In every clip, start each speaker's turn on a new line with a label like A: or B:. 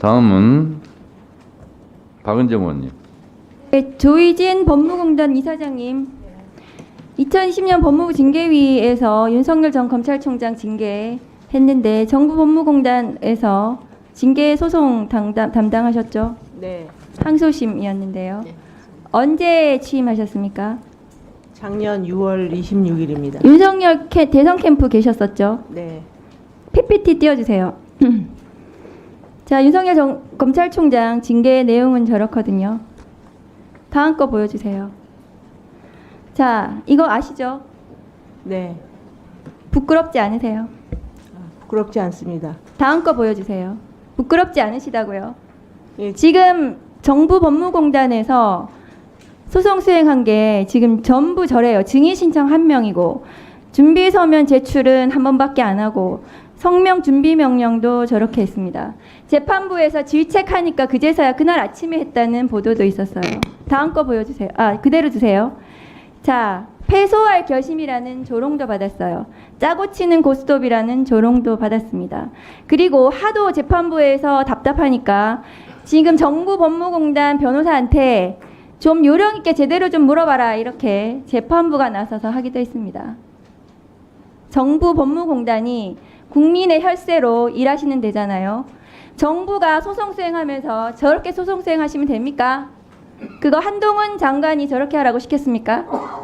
A: 다음은 박은정 의원님.
B: 네, 조희진 법무공단 이사장님, 2020년 법무부 징계위에서 윤석열 전 검찰총장 징계했는데 정부 법무공단에서 징계 소송 담당하셨죠?
C: 네.
B: 항소심이었는데요.
C: 네.
B: 언제 취임하셨습니까?
C: 작년 6월 26일입니다.
B: 윤석열 대선 캠프 계셨었죠?
C: 네.
B: PPT 띄워주세요. 자, 윤석열 검찰총장 징계 내용은 저렇거든요. 다음 거 보여주세요. 자, 이거 아시죠?
C: 네.
B: 부끄럽지 않으세요?
C: 부끄럽지 않습니다.
B: 다음 거 보여주세요. 부끄럽지 않으시다고요?
C: 예,
B: 지금 정부 법무공단에서 소송 수행한 게 지금 전부 저래요. 증인 신청 1명이고 준비 서면 제출은 1번밖에 안 하고 성명 준비 명령도 저렇게 했습니다. 재판부에서 질책하니까 그제서야 그날 아침에 했다는 보도도 있었어요. 다음 거 보여주세요. 아, 그대로 주세요. 자, 패소할 결심이라는 조롱도 받았어요. 짜고 치는 고스톱이라는 조롱도 받았습니다. 그리고 하도 재판부에서 답답하니까 지금 정부 법무공단 변호사한테 좀 요령 있게 제대로 좀 물어봐라, 이렇게 재판부가 나서서 하기도 했습니다. 정부 법무공단이 국민의 혈세로 일하시는 데잖아요. 정부가 소송 수행하면서 저렇게 소송 수행하시면 됩니까? 그거 한동훈 장관이 저렇게 하라고 시켰습니까?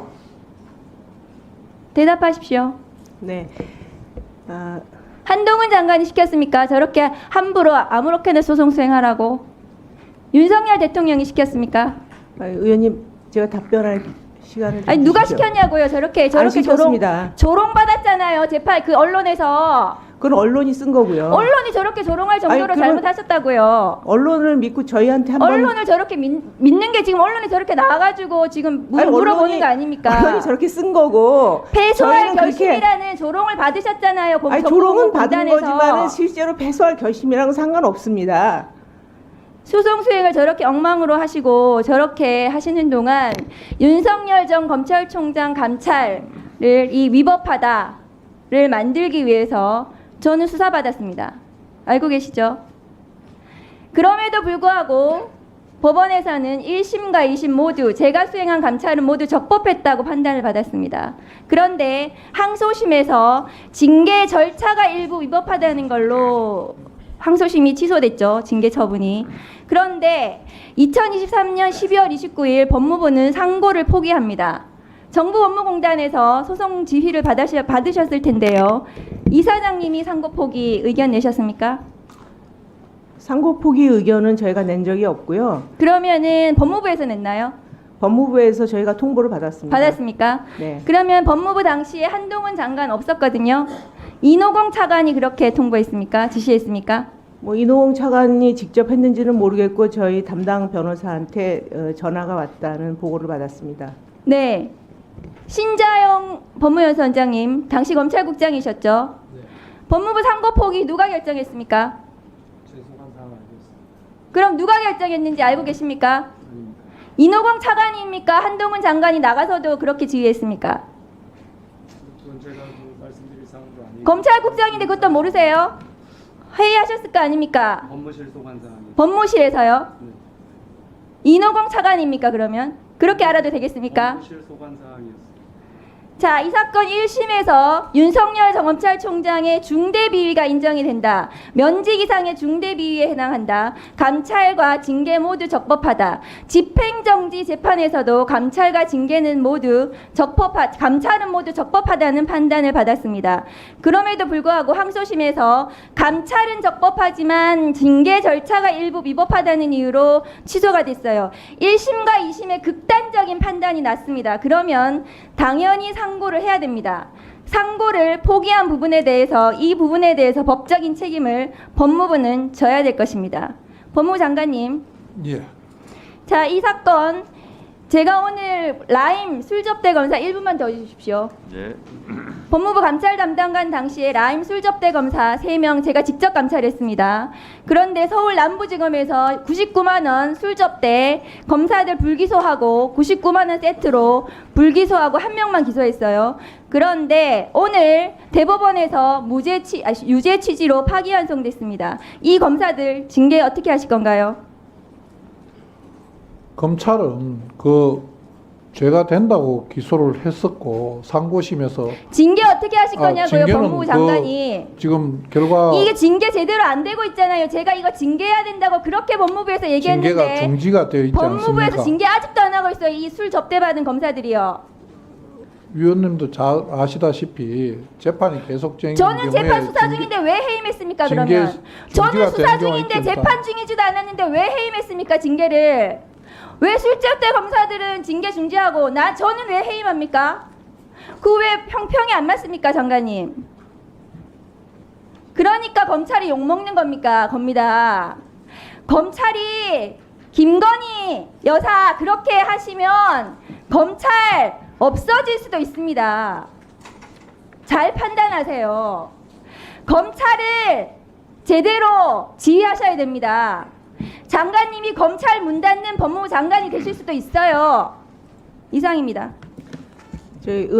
B: 대답하십시오.
C: 네.
B: 한동훈 장관이 시켰습니까? 저렇게 함부로 아무렇게나 소송 수행하라고. 윤석열 대통령이 시켰습니까?
C: 의원님, 제가 답변할 시간을 좀
B: 아니, 누가
C: 주시죠.
B: 시켰냐고요. 저렇게
C: 안
B: 조롱
C: 시켰습니다.
B: 받았잖아요. 재판 그 언론에서.
C: 그건 언론이 쓴 거고요.
B: 언론이 저렇게 조롱할 정도로
C: 아니,
B: 잘못하셨다고요.
C: 언론을 믿고 저희한테 한번
B: 언론을 저렇게 믿는 게 지금 언론이 저렇게 나와가지고 지금 물어보는 거 아닙니까?
C: 언론이 저렇게 쓴 거고
B: 패소할
C: 저희는 그렇게-
B: 결심이라는 조롱을 받으셨잖아요.
C: 아니, 조롱은 받은
B: 공단에서.
C: 거지만은 실제로 패소할 결심이랑은 상관없습니다.
B: 소송 수행을 저렇게 엉망으로 하시고 저렇게 하시는 동안 윤석열 전 검찰총장 감찰을 이 위법하다를 만들기 위해서 저는 수사받았습니다. 알고 계시죠? 그럼에도 불구하고 법원에서는 1심과 2심 모두 제가 수행한 감찰은 모두 적법했다고 판단을 받았습니다. 그런데 항소심에서 징계 절차가 일부 위법하다는 걸로 항소심이 취소됐죠. 징계 처분이. 그런데 2023년 12월 29일 법무부는 상고를 포기합니다. 정부 법무공단에서 소송 지휘를 받으셨을 텐데요. 이사장님이 상고 포기 의견 내셨습니까?
C: 상고 포기 의견은 저희가 낸 적이 없고요.
B: 그러면은 법무부에서 냈나요?
C: 법무부에서 저희가 통보를 받았습니다.
B: 받았습니까?
C: 네.
B: 그러면 법무부 당시에 한동훈 장관 없었거든요. 이노공 차관이 그렇게 통보했습니까? 지시했습니까?
C: 뭐 이노홍 차관이 직접 했는지는 모르겠고 저희 담당 변호사한테 전화가 왔다는 보고를 받았습니다.
B: 네. 신자영 법무연수원장님, 당시 검찰국장이셨죠?
D: 네.
B: 법무부 상고 포기 누가 결정했습니까?
D: 죄송한 상황 알고 있습니다.
B: 그럼 누가 결정했는지 알고 계십니까?
D: 아닙니다.
B: 이노공 차관입니까? 한동훈 장관이 나가서도 그렇게 지휘했습니까?
D: 그건 제가 말씀드릴 사항도 아니고
B: 검찰국장인데 그것도 모르세요? 회의하셨을 거 아닙니까?
D: 법무실 소관 사항이
B: 법무실에서요?
D: 네.
B: 이노공 차관입니까, 그러면? 그렇게 알아도 되겠습니까?
D: 법무실 소관 사항이었습니다.
B: 자, 이 사건 1심에서 윤석열 전 검찰총장의 중대 비위가 인정이 된다. 면직 이상의 중대 비위에 해당한다. 감찰과 징계 모두 적법하다. 집행정지 재판에서도 감찰과 징계는 모두 감찰은 모두 적법하다는 판단을 받았습니다. 그럼에도 불구하고 항소심에서 감찰은 적법하지만 징계 절차가 일부 위법하다는 이유로 취소가 됐어요. 1심과 2심의 극단적인 판단이 났습니다. 그러면 당연히 상고를 해야 됩니다. 상고를 포기한 부분에 대해서 이 부분에 대해서 법적인 책임을 법무부는 져야 될 것입니다. 법무부 장관님.
E: 예.
B: 자, 이 사건 제가 오늘 라임 술접대 검사 1분만 더 해주십시오.
A: 예.
B: 법무부 감찰 담당관 당시에 라임 술접대 검사 3명 제가 직접 감찰했습니다. 그런데 서울 남부지검에서 99만 원 술접대 검사들 불기소하고 99만 원 세트로 불기소하고 1명만 기소했어요. 그런데 오늘 대법원에서 유죄 취지로 파기환송됐습니다. 이 검사들 징계 어떻게 하실 건가요?
E: 검찰은 그 죄가 된다고 기소를 했었고 상고심에서
B: 징계 어떻게 하실 거냐고요,
E: 징계는
B: 법무부 장관이.
E: 지금 결과
B: 이게 징계 제대로 안 되고 있잖아요. 제가 이거 징계해야 된다고 그렇게 법무부에서
E: 징계가
B: 얘기했는데
E: 중지가 되어 있지
B: 법무부에서
E: 않습니까?
B: 징계 아직도 안 하고 있어요. 이 술 접대받은 검사들이요.
E: 위원님도 잘 아시다시피 재판이 계속 진행된
B: 저는 재판
E: 경우에
B: 수사 중인데 왜 해임했습니까?
E: 징계-
B: 그러면 저는
E: 징계가
B: 수사
E: 되는 경우가
B: 중인데
E: 있겠다.
B: 재판 중이지도 않았는데 왜 해임했습니까? 징계를 왜 술접대 검사들은 징계 중지하고 저는 왜 해임합니까? 그 왜 형평이 안 맞습니까, 장관님? 그러니까 검찰이 욕먹는 겁니다. 검찰이 김건희 여사 그렇게 하시면 검찰 없어질 수도 있습니다. 잘 판단하세요. 검찰을 제대로 지휘하셔야 됩니다. 장관님이 검찰 문 닫는 법무부 장관이 되실 수도 있어요. 이상입니다.
C: 저희